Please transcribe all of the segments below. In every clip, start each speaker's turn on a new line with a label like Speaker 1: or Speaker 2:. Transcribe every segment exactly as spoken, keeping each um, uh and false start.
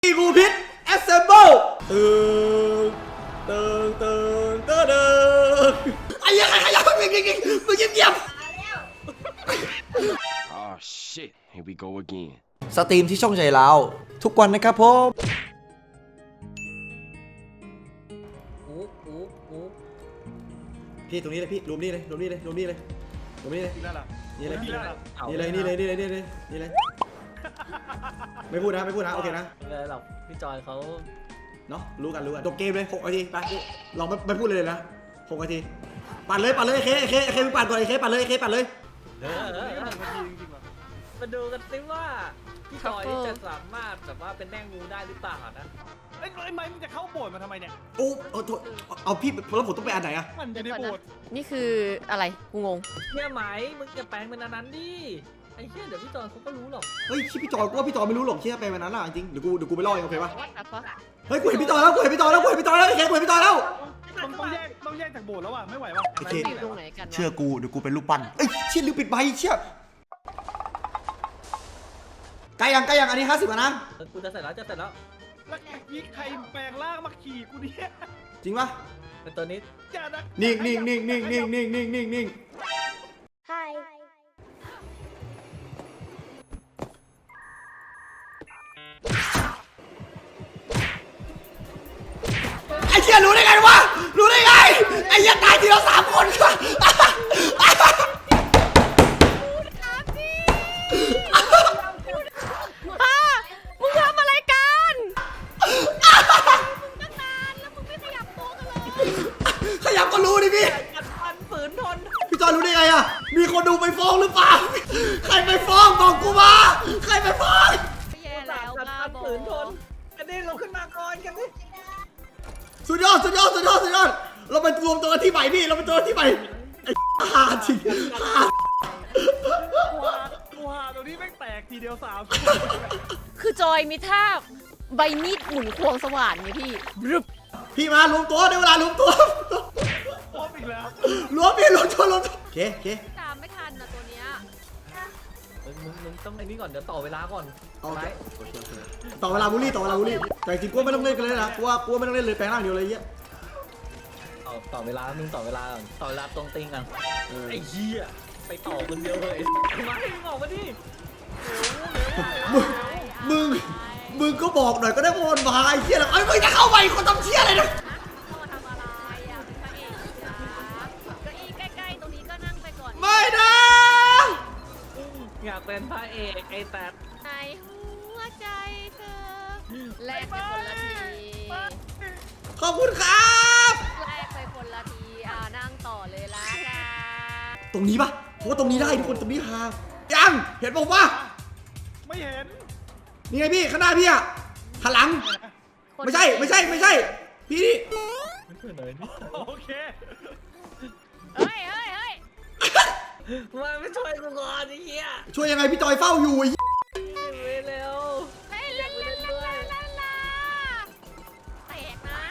Speaker 1: อีกูพิษ assemble ตึงตึงตึงตึงตึงไอ้ยังไงไอ้ยังมึงยิงยิงมึงยิงเงียบ
Speaker 2: Oh shit here we go again
Speaker 1: สตรีมที่ช่องใจเราทุกวันนะครับผมอุ๊บอุ๊บอุ๊บพี่ตรงนี้เลยพี่รวมนี่เลยรวมนี่เลยรวมนี่เลยรวมนี่เลยนี่เลยนี่เลยนี่เลยนี่เลยนี่เลยนี่เลยไม่พูดนะไม่พูดนะโอเคนะ
Speaker 3: ไม่เป็นไรหรอกพี่จอยเขา
Speaker 1: เนาะรู้กันรู้กันจบเกมเลยหกนาทีไปลองไม่ไม่พูดเลยนะหกนาทีปั่นเลยปั่นเลยเคเคเคมึงปั่นก่อนเคปั่นเลยเคปั่นเลย
Speaker 3: เออเออเออมาดูกันสิว่าพี่จอยจะสามารถแบบว่าเป็นแม่งูได้หรือเปล่านะ
Speaker 4: ไอ้ไอ้ไม้มึงจะเข้าโบสถ์มาทำไมเนี่ย
Speaker 1: โอ้เอาเอาพี่แล้วผมต้องไปอันไหนอะ
Speaker 4: มันอยู่ในโบสถ์
Speaker 5: นี่คืออะไรกูงง
Speaker 3: เชี่ยไหมมึงจะแปลงเป็นอันนั้นดิไอ้เชี่ยเดี๋ยวพี่จอยเขาก็รู้หรอก
Speaker 1: เฮ้ยพี่จอยกูว่าพี่จอยไม่รู้หรอกเชี่ยไปวันนั้นอะจริงเดี๋ยวกูเดี๋ยวกูไปล่อเองโอเคปะ
Speaker 5: วัดอะปะ
Speaker 1: เฮ้ยกูเห็นพี่จอยแล้วกูเห็นพี่จอยแล้วกูเห็นพี่จอยแล้วเคกูเห็นพี่จอยแล้ว
Speaker 4: ต้องต้องแยกต้องแยกจากโบสถ์แล้วว่ะไม่ไหวว่ะ
Speaker 1: โอเค
Speaker 5: อยู่ตรงไหนกันวะ
Speaker 1: เชื่อกูเดี๋ยวกูเป็นลูกปั้นเอ้ยเชี่ยลืมปิดใบเชี่ยใกล้ยังใกล้ยังอันนี้ห้าสิบแล้วนะ
Speaker 3: เออกูจะเสร็จแล้วจะเสร็จแล้ว
Speaker 4: แล้วยี่ใครแปลงร่างมาขี่กูเนี่ย
Speaker 1: จริงปะ
Speaker 3: แต่ตัวนี้
Speaker 4: อย่านะ
Speaker 1: นิ่งนิ่งนิ่งนิ่งนิ่งนิ่งนิ่งนิ่งนิ่ง
Speaker 5: Hi
Speaker 1: ไอ้เชี่ยรู้ได้ไงวะรู้ได้ไงไอ้เชี่ยตายทีละสามคนค่ะ
Speaker 5: ป้ามึงทำอะไรกันมึงตั้งนานแล้วมึงไม่ขยับตัวกันเลย
Speaker 1: ขยับก็รู้ดิพี่
Speaker 3: กัดฟันฝืนทน
Speaker 1: พี่จอยรู้ได้ไงอะมีคนดูไปฟ้องหรือเปล่าใครไปฟ้องบอกกูมาใครไปฟ้อง
Speaker 5: แย่แล้ว
Speaker 3: กัด
Speaker 5: บ้า
Speaker 3: ฟัน
Speaker 5: บอ
Speaker 3: ฝืนทนกันดิลงขึ้นมาก่อนกันดิ
Speaker 1: สุดยอดสุดยอดสุดยอดสุดยอดเราไปรวมตัวกันที่ใหม่พี่เราไปตัวกันที่ใหม่ไอ้หาจริงหา
Speaker 4: กูหากูหาตรงนี้แม่งแตกทีเดียวสาม
Speaker 5: คือจอยมีท่าใบมีดหมุนควงสว่านไงพี่รึบ
Speaker 1: พี่มารวมตัวได้เวลารวมตัว
Speaker 4: พร้อมอีกแล้ว
Speaker 1: รวมพี่รวมตัวรวมตัวโอเคโอเค
Speaker 5: ตามไม่ทันนะตัวเนี้ย
Speaker 3: มึงมึงมึงต้องไอ้นี่ก่อนเดี๋ยวต่อเวลาก่อน
Speaker 1: เอา
Speaker 3: ไป
Speaker 1: โอเคโอเคต่อเวลาบูลลี่ต่อเวลาบูลลี่แต่จริงกูไม่ต้องเล่นกันเลยนะกูว่ากูไม่ต้องเล่นเลยแปลงร่างเดียวเลยเยอะ
Speaker 3: ต่อต่อเวลามึงต่อเวลาก่อนต่อเวลาตรงติงกัน
Speaker 1: เออ
Speaker 3: ไอ้เหี้ยไปต่อคนเดียวเลยมาให้มึงออกมาดิ
Speaker 1: มึงมึงมึงก็บอกหน่อยก็ได้ว่ามันมาไอ้เชี่ยอะไรไอ้ยมึงจะเข้าไปคนทำเชี่ยอะไรนะ
Speaker 5: เข้ามาทำอะไรอ่ะเป็นพระเอกนะเก้าอี้ใกล้ๆตรงนี้ก็นั่งไปก่อน
Speaker 1: ไม่นะ
Speaker 3: อยากเป็นพระเอกไอ้แต่
Speaker 5: ในหัวใจเธอแลกไปคนละที
Speaker 1: ขอบคุณครับ
Speaker 5: แลกไปคนละทีอ่านั่งต่อเลยละกัน
Speaker 1: ตรงนี้ปะเพราะว่าตรงนี้ได้ทุกคนตรงนี้หายังเห็นผมปะ
Speaker 4: ไม่เห็น
Speaker 1: นี่ไงพี่ข้างหน้าพี่อะหันหลัง ไม่ใช่ไม่ใช่ไม่ใช่พี่นี่
Speaker 3: ไม่เคยเลยนี่
Speaker 4: โอเค
Speaker 5: เฮ้ยเฮ้ยเฮ้ย
Speaker 3: มาไม่ช่วยกูก่อนไอ้เหี้ย
Speaker 1: ช่วยยังไงพี่จอยเฝ้าอยู่ไอ้เหี้ย
Speaker 3: ไปเร็ว
Speaker 5: เฮ้ยลาลาลาลาลาลาแตกนะ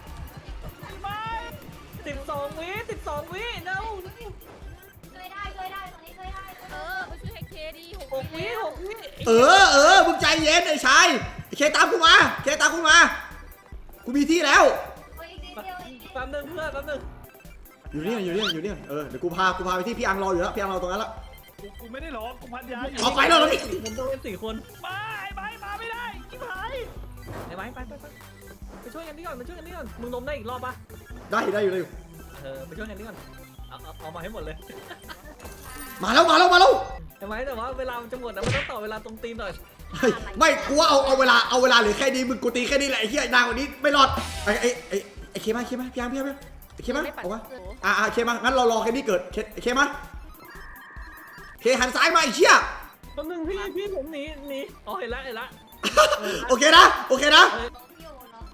Speaker 3: สิบสองวิสิบสองวิเร็ว
Speaker 6: เคยได้เคยได้ตรงนี้เคยได้
Speaker 5: เออไปช่วยไอ้เคดีหก
Speaker 3: หกวิ
Speaker 5: แล้ว
Speaker 3: หกวิ
Speaker 1: เออเออมึงใจเย็นไอ้ชายไอ้เคตามกูมาเคตามกูมากูมีที่แล้ว
Speaker 6: โอ้ยอีกนิดเดียวอีกนิด
Speaker 3: แป๊บนึงเพื่อนแป๊บนึง
Speaker 1: อยู่นี่อยู่นี่อยู่นี่เออเดี๋ยวกูพากูพาไปที่พี่อังรออยู่แล้วพี่อังรอตรงนั้นแล้ว
Speaker 4: กูกูไม่ได้หรอกกูพันยาอยู่
Speaker 1: เอาไปแล้วเหรอพี่
Speaker 3: ผมต้องเป็นสี่คน
Speaker 4: มาไอ้ไม้มาไม่ได้ชิบหาย
Speaker 3: ไอ้ไม้ไปไปไปไปช่วยกันนี่ก่อนไปช่วยกันนี่ก่อนมึงล้มได้อีกรอบปะ
Speaker 1: ได้ได้อยู่ได้อยู่
Speaker 3: เออไปช่วยกันนี่ก่อนเอาเอาเอามาให้หมดเลย
Speaker 1: มาแล้วมาแล้วมาแล้ว
Speaker 3: ไอ้ไม้แต่ว่าเวลามันจะหมดนะมันต้องต่อเวลาตรงตีนหน่อย
Speaker 1: เฮ้ยไม่กูว่าเอาเอาเวลาเอาเวลาเหลือแค่นี้มึงกูตีแค่นี้แหละไอ้เหี้ยนางกว่านี้ไม่รอดไอ้ไอ้ไอ้ไอ้เคมาเคมาพี่อังพี่อังพี่อังไอ้เคมา
Speaker 5: ไม่ปัด
Speaker 1: เอามา
Speaker 5: โอ้โห
Speaker 1: อ่าอ่าเคมางั้นเรารอแค่นี้เกิดเคเคมาเคหันซ้ายมาไอ้เชี่ย
Speaker 3: แป๊บนึงพี่พี่ผมหนีหนีอ๋อเห็นละเห็นละ
Speaker 1: โอเคนะโอเคนะ
Speaker 6: อยู่เนาะ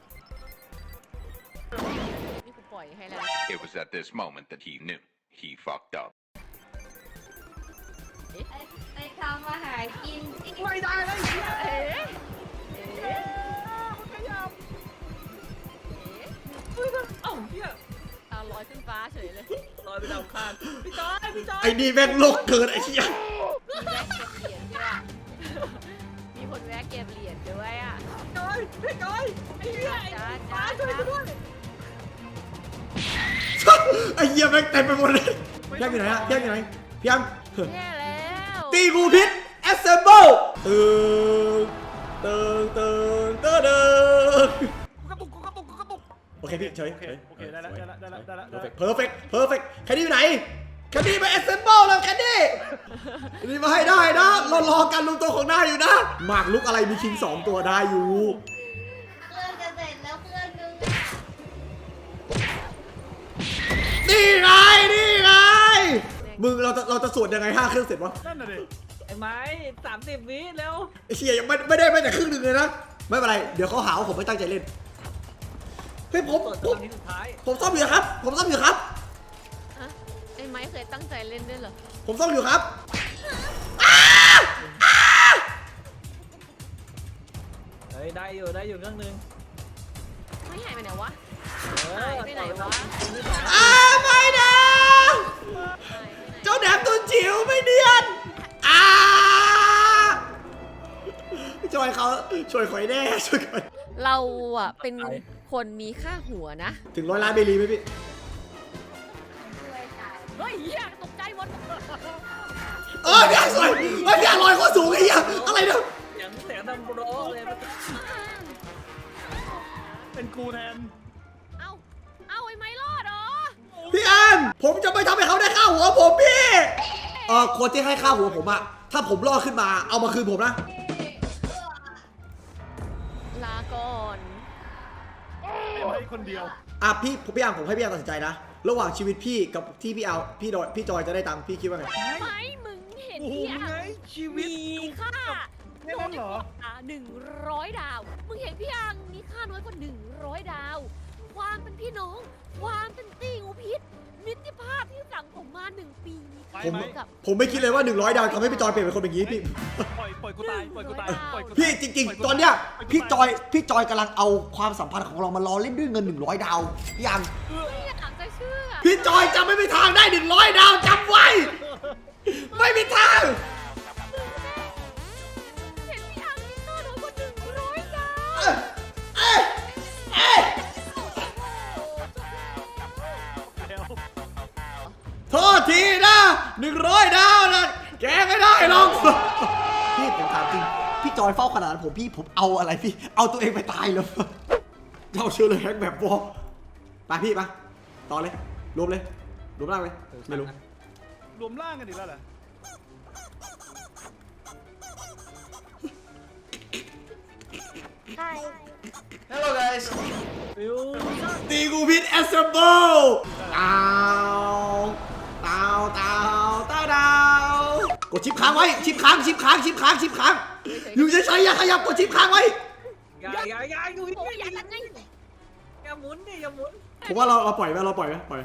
Speaker 5: นี่กูปล่อยให้แล้ว
Speaker 7: It was at this moment that he knew he fucked up.
Speaker 6: ไอ้ไอ้ทำมาหากินอีก
Speaker 3: ไม่ได้เลย
Speaker 5: เอ๊ะเอ๊ะ
Speaker 3: มันขยับ
Speaker 5: เอ๊ะ
Speaker 3: เอ้าเฮีย
Speaker 5: ตาลอยขึ้นฟ้าเฉยเลย
Speaker 3: ลอยไปดาวคานพี่จอยพี่จอย
Speaker 1: ไอ้นี่แม่งโลกเกินไอ้เชี่ย
Speaker 5: มีแวะเก็บเหรียญด้วยมีคนแวะเก็บเหรียญด้วยอ่ะ
Speaker 3: จพี่จอยไอ้เหี้ย
Speaker 5: จ้า
Speaker 3: มา
Speaker 5: จ้า
Speaker 3: ช่วยกูด้วย
Speaker 1: ไอ้เหี้ยแม่งเต็มไปหมดเลยพี่ยังอยู่ไหนฮะพี่ยังอยู่ไหนพี่ยัง
Speaker 5: แย่แล้ว
Speaker 1: ตีงูพิษ assemble ตึงตึงตึงตึงตึง
Speaker 4: กูกระตุกกูกระตุกกูกระตุก
Speaker 1: โอเคพี่เฉย
Speaker 4: โอเคโอเคได้แล้วได้แล้วได้แล้วได้แล้วได้แล้ว
Speaker 1: เพอร์เฟกต์เพอร์เฟกต์แคนดี้อยู่ไหนแคนดี้มา assemble แล้วแคนดี้นี่มาให้ได้นะเรารอการรวมตัวของหน้าอยู่นะหมากลุกอะไรมีคิงสองตัวได้อยู่
Speaker 6: เครื่องจะเสร็จแล้วเครื่องนึง
Speaker 1: นี่ไงนี่ไงมึงเราจะเราจะสวดยังไงห้าเครื่องเสร็จวะ
Speaker 4: นั่นน่ะดิ
Speaker 3: ไอ้ไม้สามสิบวิแล้ว
Speaker 1: ไอ้เชี่ยยังไม่ไม่ได้ไม่แต่ครึ่งหนึ่งเลยนะไม่เป็นไรเดี๋ยวเขาหาว่าผมไม่ตั้งใจเล่นเฮ้ยผม
Speaker 3: เปิด
Speaker 1: ผ
Speaker 3: ตอ
Speaker 1: ม
Speaker 3: นนี้สุดท้าย
Speaker 1: ผมซ่อมอยู่ครับ ผมซ่อมอยู่ครับ
Speaker 5: ฮะไอ้ไม้เคยตั้งใจเล่นด้วยเหรอ
Speaker 1: ผมซ่อมอยู่ครับ
Speaker 3: เฮ้ยได้อยู่ได้อยู่เรื่องนึง
Speaker 5: ไม่หายไปไหนวะ
Speaker 3: เออ
Speaker 5: หายไปไหนวะ
Speaker 1: อ้าไม่นะ
Speaker 5: หายไปไหน
Speaker 1: เจ้าแหนมตัวจิ๋วไม่เนียนอ้าช่วยเขาช่วยข่อยแน่ช่วยข่อย
Speaker 5: เราอ่ะเป็นคนมีค่าหัวนะ
Speaker 1: ถึงร้อยล้านเบลีไหมพี่
Speaker 6: ด้วยจ่าย
Speaker 5: เฮ้ยเหี้ยตกใจหมด
Speaker 1: เออพี่สวยเฮ้ยพี่ลอยโคตรสูงไอ้เหี้ยอะไรเนี่ย
Speaker 3: เสียงเสียงดังโบรเลยมัน
Speaker 4: เป็นกูแทน
Speaker 5: เอาเอาไอ้ไม้รอดเหรอ
Speaker 1: พี่อันผมจะไม่ทำให้เขาได้ค่าหัวผมพี่เออคนที่ให้ค่าหัวผมอะถ้าผมรอดขึ้นมาเอามาคืนผมนะ
Speaker 5: ลาก่อน
Speaker 4: เอาให้คนเดียว
Speaker 1: อ่ะพี่พี่อันผมให้พี่อันตัดสินใจนะระหว่างชีวิตพี่กับที่พี่เอาพี่ดอยพี่จอยจะได้ตังค์พี่คิดว่าไง
Speaker 5: ไม้มึงเห็น
Speaker 4: โอ้โห
Speaker 5: พี่
Speaker 4: มึง
Speaker 5: อ่ะ
Speaker 4: ไงชีวิต
Speaker 5: มีค่า
Speaker 4: แค่นั้นเหรอ
Speaker 5: อ่ะหนึ่งร้อยดาว มึงเห็นพี่อังมีค่าน้อยกว่าหนึ่งร้อยดาว ความเป็นพี่น้อง ความเป็นตีงูพิษ มิตรภาพที่สั่งผมมาหนึ่งปีมีค่า
Speaker 1: ผม
Speaker 5: เท่ากับ
Speaker 1: ผมไม่คิดเลยว่าหนึ่งร้อยดาวทำให้พี่จอยเปลี่ยนเป็นคนอย่างนี้พี่
Speaker 4: ปล่อยปล่อยกูตายปล่อยกูตายปล่อยกูตาย
Speaker 1: พี่จริง ๆ ตอนเนี้ยพี่จอยพี่จอยกำลังเอาความสัมพันธ์ของเรามาล้อเล่นด้วยเงินหนึ่งร้อยดาวพี่อัง
Speaker 5: ไม่อยากจะเชื่อ
Speaker 1: พี่จอยจะไม่มีทางได้หนึ่งร้อยดาวจำไว้ ไม่มีทาง
Speaker 5: เห็นพี่อังมีค่าน้อยกว่าหนึ่งร้อยดาว
Speaker 1: เอ้ยเอ้ยเอ้ย
Speaker 4: แล้ว
Speaker 1: โทษทีนะหนึ่งร้อยดาวนะแกไม่ได้หรอกพี่ผมถามจริงพี่จอยเฝ้าขนาดนั้นผมพี่ผมเอาอะไรพี่เอาตัวเองไปตายเลยเจ้าเชื่อเลยแฮกแบบวอไปพี่ไปต่อเลยรวมเลยรวมร่างเลยไม่รู้
Speaker 4: รวมร่างกันอีกแล้วเหรอ
Speaker 3: ฟิว
Speaker 1: ตีกูพิษแอสเซมเบิลตาวตาวตาวตาวดาวกดชิปค้างไว้ชิปค้างชิปค้างชิปค้างชิปค้างอยู่เฉยๆอย่าขยับกดชิปค้างไว้
Speaker 3: อย่าอย่าอย่าอยู่
Speaker 5: โอ้ยอยากกันไง
Speaker 3: อย่าหมุนดิอย่าหมุน
Speaker 1: ผมว่าเราเราปล่อยไหมเราปล่อยไหมปล่อย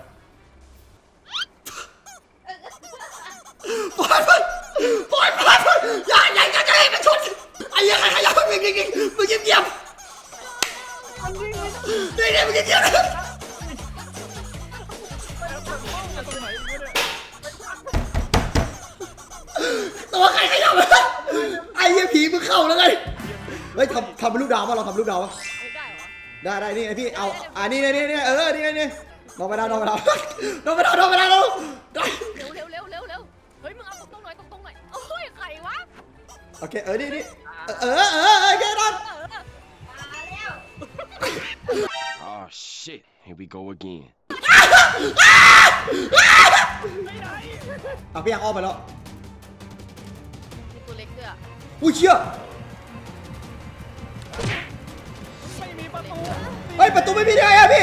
Speaker 1: ปล่อยมันปล่อยมันอย่าอย่าอย่าอย่าให้มันชนไอ้ยังไงขยับมึงยิงยิงมึงเงียบเงียบนี่นี่มึงเงียบเงียบ
Speaker 4: ตรงไหนวะเนี่ย
Speaker 1: ตัวใครขยับไอ้เหี้ยผีมึงเข้าแล้วไงเฮ้ยทำทำเป็นลูกดาวป่ะเราทำลูกดาวป่ะ
Speaker 5: ไม่ได้เหรอ
Speaker 1: ได้ได้นี่ไอพี่เอาอ่านี่นี่นี่เออนี่นี่นอนไปดาวนอนไปดาวนอนไปดาวนอนไปดาวได้
Speaker 5: เร็วเร็วเร็วเร็วเร็วเฮ้ยมึงเอาตรงๆหน่อยตรงๆหน่อยโอ้ยใครวะ
Speaker 1: โอเคเออนี่นี่เออเออเออแค่นั้น
Speaker 5: เออ
Speaker 6: มาแล้ว
Speaker 2: Oh shit, here we go again.
Speaker 1: เอาพี่ยังอ้อมไปแล้ว
Speaker 5: มีตัวเล็กด้วยอ่ะ
Speaker 1: อุ้ยเชี่ย
Speaker 4: ไม่มีประตู
Speaker 1: เฮ้ยประตูไม่มีได้ไงอะพี่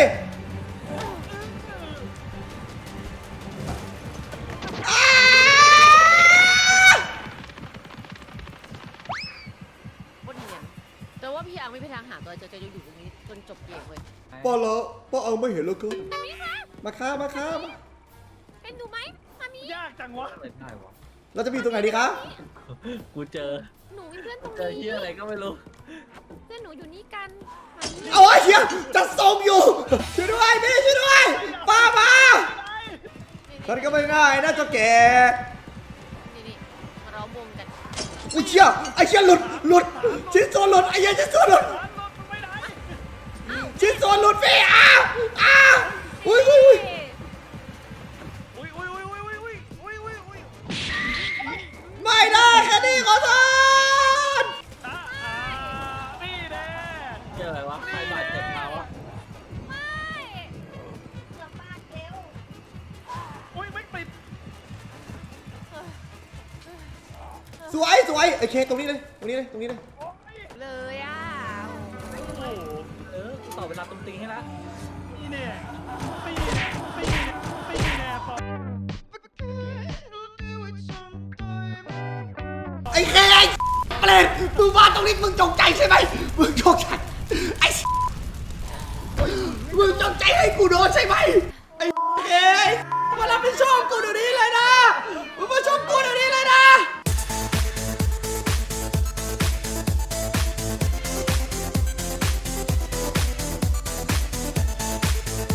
Speaker 5: โคตรเนียนแต่ว่าพี่อังไม่มีทางหาตัวเจอจะอยู่ตรงนี้จนจบเกมเลย
Speaker 1: ป้าแล้วป้าเอาไม่เห็นแล้วก็
Speaker 5: มามีคะ
Speaker 1: มาค้ามาค้ามา
Speaker 5: เป็นดูไหมมามี
Speaker 4: ยากจังวะ
Speaker 3: เปิดได้วะ
Speaker 1: เราจะมีตรงไหนดีคะ
Speaker 3: กูเจอ
Speaker 5: หนูมีเพื่อนตรง
Speaker 3: เจอ
Speaker 5: นี้
Speaker 3: เฮียอะไรก็ไม่รู้
Speaker 5: เพื่อนหนูอยู่นี่กันมามี
Speaker 1: เอาไอ้เชี่ยจะส่งอยู่ช่วยด้วยพี่ช่วยด้วยป้ามาฉันก็ไม่ง่ายนะเจ้าแก
Speaker 5: นี่นี่มาล้อมวงกัน
Speaker 1: อุ้ยเชี่ยไอ้เชี่ยหลุดหลุดชิ้นส่วนหลุดไอ้เหี้ยชิ้นส่วนหลุด
Speaker 4: ร้านรถมันไม่
Speaker 1: หลุดพี่อ้าวอ้าวอุ้ยอุ้ยอุ้ย
Speaker 4: อุ้ยอุ้ยอุ้ยอุ้ยอุ้ยอุ้ยอุ้ยอุ้ย
Speaker 1: ไม่ได้แค่นี้ขอโทษ
Speaker 4: อ่าอ่านี่แน่
Speaker 3: เจออะไรวะใครบาดเจ็บเราอะ
Speaker 5: ไม่
Speaker 6: กลับบ้านเร็ว
Speaker 4: อุ้ยไม่ติด
Speaker 1: สวยสวยโอเคตรงนี้เลยตรงนี้เลยตรงนี้เลย
Speaker 5: เลยอ่ะ
Speaker 4: โอ้โห
Speaker 3: เออกูต่อเวลาตรงตีให้ละ
Speaker 4: นี่แน่ปีแน่ปีแน่ปีแน่ปอ
Speaker 1: ไอ้เคไอ้เปรตมึงมาตรงนี้มึงจงใจใช่ไหมมึงจงใจ